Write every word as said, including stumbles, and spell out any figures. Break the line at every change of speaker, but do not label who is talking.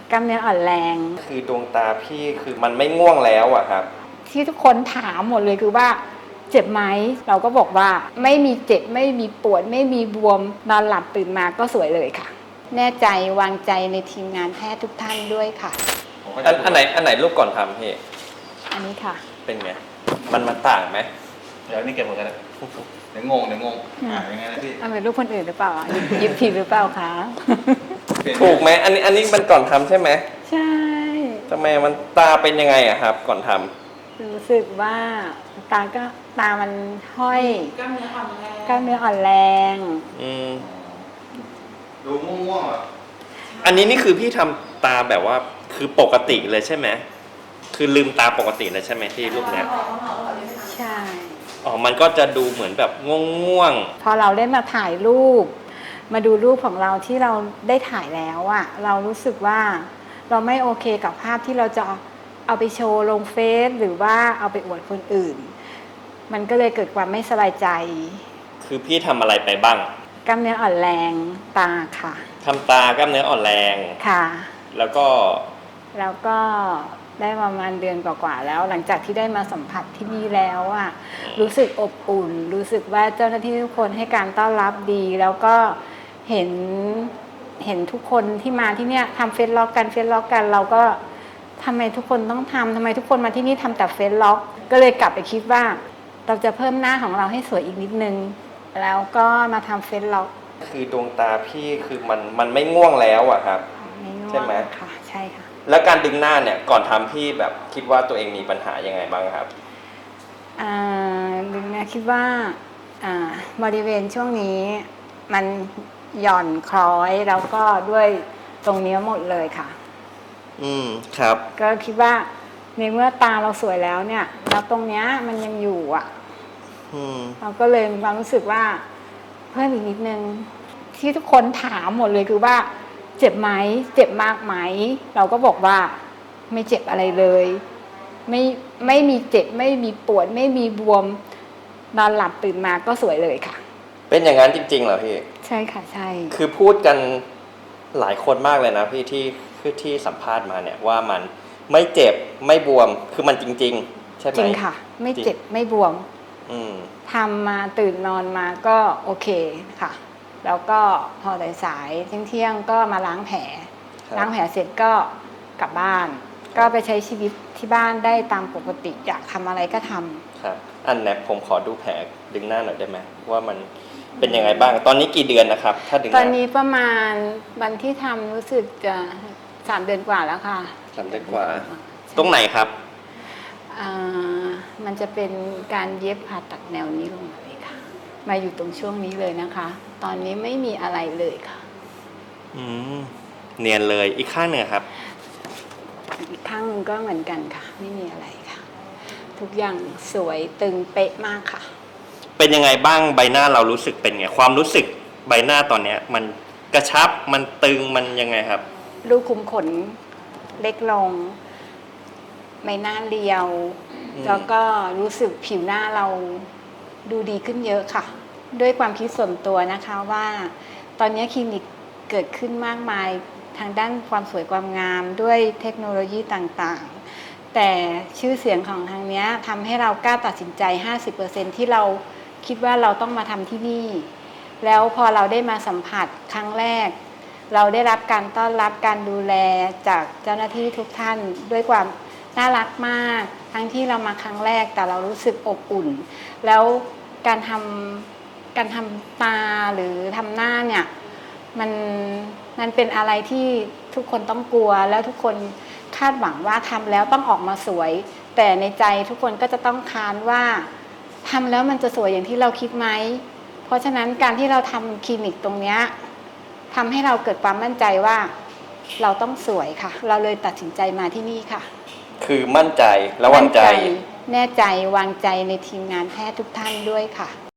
กล้ามเนื้ออ่อนแรง
คือดวงตาพี่คือมันไม่ง่วงแล้วอะครับ
ที่ทุกคนถามหมดเลยคือว่าเจ็บไหมเราก็บอกว่าไม่มีเจ็บไม่มีปวดไม่มีบวมนอนหลับตื่นมาก็สวยเลยค่ะแน่ใจวางใจในทีมงานแพทย์ทุกท่านด้วยค่ะ
อันอันไหนอันไหนรูปก่อนทำพี่
อันนี้ค่ะ
เป็นไงมันมันต่างไหม
เดี๋ยวนี่เก็บหมดกันแล้วเดี๋ยวงงเดี๋ยวงงอ่ายังไงนะพี่
เอาเป็นรูปคนอื่นหรือเปล่าหยิบผิดหรือเปล่าคะ
ถูกไหมอันนี้อันนี้มันก่อนทำใช่ไหม
ใช่
ทำไมมันตาเป็นยังไงอะครับก่อนท
ำรู้สึกว่าตาก็ตามันห้อยกล้ามเนื้ออ่อนแรงกล้ามเนื้ออ่อนแรง
อืม
ดูง่วงๆอ่ะ
อันนี้นี่คือพี่ทำตาแบบว่าคือปกติเลยใช่ไหมคือลืมตาปกติเลยใช่ไหมที่รูปเนี้ย
ใช่
อ๋อมันก็จะดูเหมือนแบบง่วง
ๆพอเราได้มาถ่ายรูปมาดูรูปของเราที่เราได้ถ่ายแล้วอะเรารู้สึกว่าเราไม่โอเคกับภาพที่เราจะเอาไปโชว์ลงเฟซหรือว่าเอาไปอวดคนอื่นมันก็เลยเกิดความไม่สบายใจ
คือพี่ทำอะไรไปบ้าง
กล้ามเนื้ออ่อนแรงตาค่ะ
ทำตากล้ามเนื้ออ่อนแรง
ค่ะ
แล้วก็
แล้วก็ได้ประมาณเดือนกว่าๆแล้วหลังจากที่ได้มาสัมผัสที่นี่แล้วอะรู้สึกอบอุ่นรู้สึกว่าเจ้าหน้าที่ทุกคนให้การต้อนรับดีแล้วก็เห็นเห็นทุกคนที่มาที่เนี่ยทำเฟซล็อกกันเฟซล็อกกันเราก็ทำไมทุกคนต้องทำทำไมทุกคนมาที่นี่ทำแต่เฟซล็อกก็เลยกลับไปคิดว่าเราจะเพิ่มหน้าของเราให้สวยอีกนิดนึงแล้วก็มาทำเฟซล็อก
คือดวงตาพี่คือมันมันไม่ง่วงแล้วอะครับใช่ไหม
ค่ะใช่ค่ะ
แล้วการดึงหน้าเนี่ยก่อนทำพี่แบบคิดว่าตัวเองมีปัญหายังไงบ้างครับ
อ่าดึงหน้าคิดว่าอ่าบริเวณช่วงนี้มันหย่อนคล้อยแล้วก็ด้วยตรงนี้หมดเลยค่ะ
อืมครับ
ก็คิดว่าในเมื่อตาเราสวยแล้วเนี่ยแล้วตรงเนี้ยมันยังอยู่อ่ะ
อืม
เราก็เลยมีความรู้สึกว่าเพิ่มอีกนิดนึงที่ทุกคนถามหมดเลยคือว่าเจ็บไหมเจ็บมากไหมเราก็บอกว่าไม่เจ็บอะไรเลยไม่ไม่มีเจ็บไม่มีปวดไม่มีบวมนอนหลับตื่นมาก็สวยเลยค่ะ
เป็นอย่างนั้นจริงๆเหรอพี่
ใช่ค่ะใช่
คือพูดกันหลายคนมากเลยนะพี่ที่คือที่สัมภาษณ์มาเนี่ยว่ามันไม่เจ็บไม่บวมคือมันจริงๆใช่ไหม
จริงค่ะไม่เจ็บไม่บวม
อืม
ทำมาตื่นนอนมาก็โอเคค่ะแล้วก็พอสายๆเที่ยงๆก็มาล้างแผลล้างแผลเสร็จก็กลับบ้านก็ไปใช้ชีวิตที่บ้านได้ตามปกติอยากทำอะไรก็ทำ
ครับอันนี้ผมขอดูแผลดึงหน้าหน่อยได้ไหมว่ามันเป็นยังไงบ้างตอนนี้กี่เดือนนะครับถ้าดึง
ตอนนี้ประมาณวันที่ทำรู้สึกจะสามเดือนกว่าแล้วค่ะ
สามเดือนกว่าตรงไหนครับ
อ่ามันจะเป็นการเย็บผ่าตัดแนวนี้ลงมาเลยค่ะมาอยู่ตรงช่วงนี้เลยนะคะตอนนี้ไม่มีอะไรเลยค่ะ
อืมเนียนเลยอีกข้างหนึ่งครับ
อีกข้างหนึ่งก็เหมือนกันค่ะไม่มีอะไรค่ะทุกอย่างสวยตึงเป๊ะมากค่ะ
เป็นยังไงบ้างใบหน้าเรารู้สึกเป็นไงความรู้สึกใบหน้าตอนเนี้ยมันกระชับมันตึงมันยังไงครับ
รูขุมขนเล็กลงใบหน้าเรียวแล้วก็รู้สึกผิวหน้าเราดูดีขึ้นเยอะค่ะด้วยความคิดส่วนตัวนะคะว่าตอนนี้คลินิกเกิดขึ้นมากมายทางด้านความสวยความงามด้วยเทคโนโลยีต่างๆแต่ชื่อเสียงของทางนี้ทำให้เรากล้าตัดสินใจ ห้าสิบเปอร์เซ็นต์ ที่เราคิดว่าเราต้องมาทำที่นี่แล้วพอเราได้มาสัมผัสครั้งแรกเราได้รับการต้อนรับการดูแลจากเจ้าหน้าที่ทุกท่านด้วยความน่ารักมากทั้งที่เรามาครั้งแรกแต่เรารู้สึกอบอุ่นแล้วการทำการทำตาหรือทำหน้าเนี่ยมันมันเป็นอะไรที่ทุกคนต้องกลัวแล้วทุกคนคาดหวังว่าทำแล้วต้องออกมาสวยแต่ในใจทุกคนก็จะต้องค้านว่าทำแล้วมันจะสวยอย่างที่เราคิดไหมเพราะฉะนั้นการที่เราทำคลินิกตรงนี้ทำให้เราเกิดความมั่นใจว่าเราต้องสวยค่ะเราเลยตัดสินใจมาที่นี่ค่ะ
คือมั่นใจและวางใจ
แน่ใจวางใจในทีมงานแพทย์ทุกท่านด้วยค่ะ